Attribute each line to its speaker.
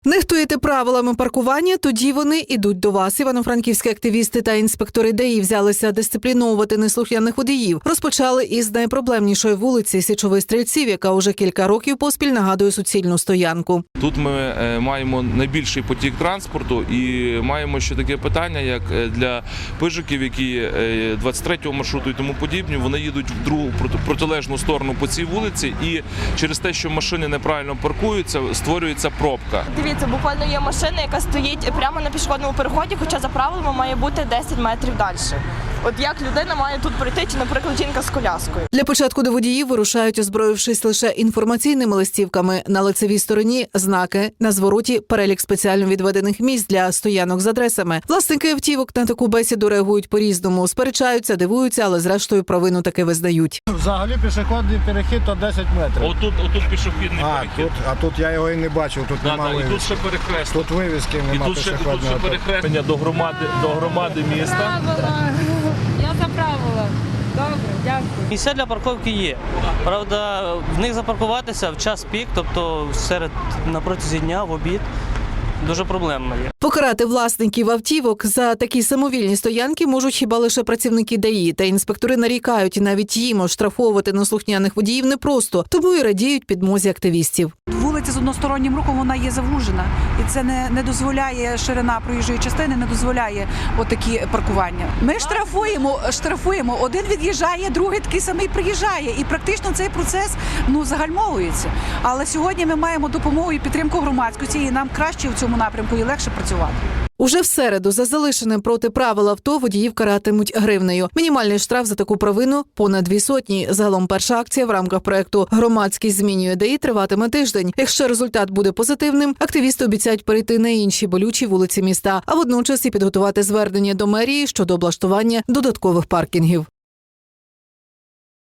Speaker 1: Нехтуєте правилами паркування, тоді вони ідуть до вас. Івано-франківські активісти та інспектори ДАІ взялися дисципліновувати неслухняних водіїв. Розпочали із найпроблемнішої вулиці Січових Стрільців, яка уже кілька років поспіль нагадує суцільну стоянку.
Speaker 2: Тут ми маємо найбільший потік транспорту і маємо ще таке питання, як для пижиків, які 23-го маршруту і тому подібні, вони їдуть в другу протилежну сторону по цій вулиці, і через те, що машини неправильно паркуються, створюється пробка.
Speaker 3: Дивіться, буквально є машина, яка стоїть прямо на пішохідному переході, хоча за правилами має бути 10 метрів далі. От як людина має тут пройти, чи, наприклад, жінка з коляскою?
Speaker 1: Для початку до водіїв вирушають, озброївшись лише інформаційними листівками. На лицевій стороні – знаки, на звороті – перелік спеціально відведених місць для стоянок з адресами. Власники автівок на таку бесіду реагують по-різному. Сперечаються, дивуються, але зрештою провину таки визнають.
Speaker 4: Взагалі пішохідний перехід – то 10 метрів.
Speaker 2: Отут пішохідний перехід.
Speaker 4: А тут я його і не бачив, тут немає вивіски.
Speaker 2: І тут ще перехрест.
Speaker 4: Тут вивіски немає пішохідного.
Speaker 2: Тут ще перехрестення до громади міста.
Speaker 5: Я за правила. Добре, дякую.
Speaker 6: Місця для парковки є. Правда, в них запаркуватися в час пік, тобто на протязі дня, в обід, дуже проблемно є.
Speaker 1: Покарати власників автівок за такі самовільні стоянки можуть хіба лише працівники ДАІ. Та інспектори нарікають, навіть їм оштрафовувати неслухняних водіїв непросто, тому і радіють підмозі активістів.
Speaker 7: Вулиця з одностороннім рухом, вона є завужена. І це не дозволяє, ширина проїжджої частини не дозволяє отакі паркування. Ми штрафуємо. Один від'їжджає, другий такий самий приїжджає. І практично цей процес загальмовується. Але сьогодні ми маємо допомогу і підтримку громадськості, і нам краще в цьому напрямку і легше працювати.
Speaker 1: Уже в середу за залишене проти правил авто водіїв каратимуть гривнею. Мінімальний штраф за таку провину – понад 200. Загалом перша акція в рамках проєкту «Громадськість змінює ДАІ» триватиме тиждень. Якщо результат буде позитивним, активісти обіцяють перейти на інші болючі вулиці міста, а водночас і підготувати звернення до мерії щодо облаштування додаткових паркінгів.